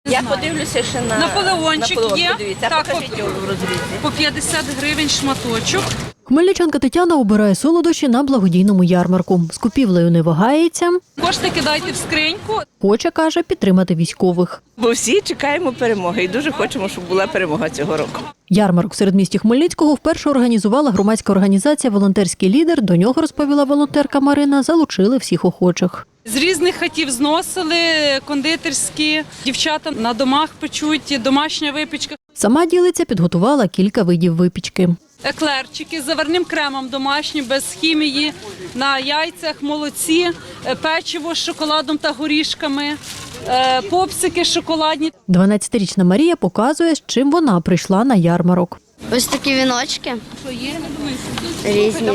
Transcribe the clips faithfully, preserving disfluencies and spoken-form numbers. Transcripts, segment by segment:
Я подивлюся ще на Наполеончик Наполеон, є. подивіться, Так, покажіть його в розрізі. По п'ятдесят гривень шматочок. Хмельничанка Тетяна обирає солодощі на благодійному ярмарку. З купівлею не вагається. Кошти кидайте в скриньку. Хоче, каже, підтримати військових. Бо всі чекаємо перемоги і дуже хочемо, щоб була перемога цього року. Ярмарок в середмісті Хмельницького вперше організувала громадська організація «Волонтерський лідер». До нього, розповіла волонтерка Марина, залучили всіх охочих. З різних хатів зносили, кондитерські, дівчата на домах печуть, домашня випічка. Сама ділиця підготувала кілька видів випічки. Еклерчики з заварним кремом домашні, без хімії, на яйцях, молоці, печиво з шоколадом та горішками, попсики шоколадні. дванадцятирічна Марія показує, з чим вона прийшла на ярмарок. Ось такі віночки. Різні.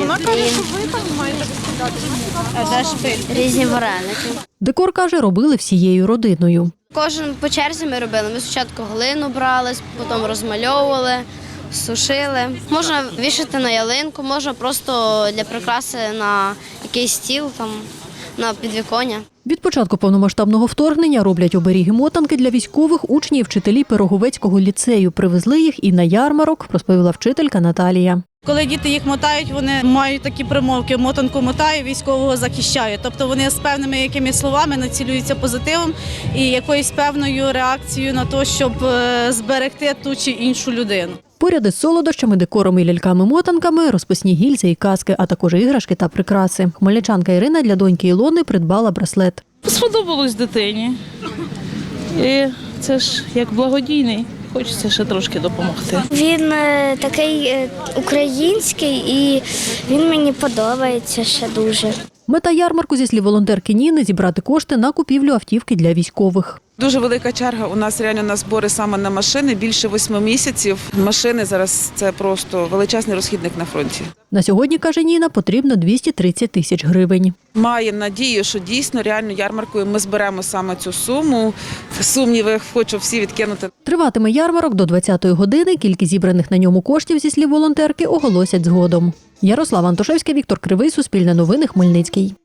І різні вареники. Декор, каже, робили всією родиною. Кожен по черзі ми робили. Ми спочатку глину брали, потім розмальовували, сушили. Можна вішати на ялинку, можна просто для прикраси на якийсь стіл, там, на підвіконня. Від початку повномасштабного вторгнення роблять оберіги-мотанки для військових учні і вчителі Пироговецького ліцею. Привезли їх і на ярмарок, розповіла вчителька Наталія. Коли діти їх мотають, вони мають такі примовки: мотанку мотаю, військового захищаю. Тобто вони з певними якимись словами націлюються позитивом і якоюсь певною реакцією на те, щоб зберегти ту чи іншу людину. Поряд із солодощами, декором і ляльками-мотанками розписні гільзи і каски, а також іграшки та прикраси. Хмельничанка Ірина для доньки Ілони придбала браслет. Сподобалось дитині. І це ж як благодійний. Хочеться ще трошки допомогти. Він е, такий е, український і він мені подобається ще дуже. Мета ярмарку, зі слів волонтерки Ніни, зібрати кошти на купівлю автівки для військових. Дуже велика черга у нас реально на збори саме на машини, більше восьми місяців. Машини зараз – це просто величезний розхідник на фронті. На сьогодні, каже Ніна, потрібно двісті тридцять тисяч гривень. Маємо надію, що дійсно реально ярмаркою ми зберемо саме цю суму. Сумніви хочу всі відкинути. Триватиме ярмарок до двадцятої години. Кількість зібраних на ньому коштів, зі слів волонтерки, оголосять згодом. Ярослава Антошевська, Віктор Кривий, Суспільне новини, Хмельницький.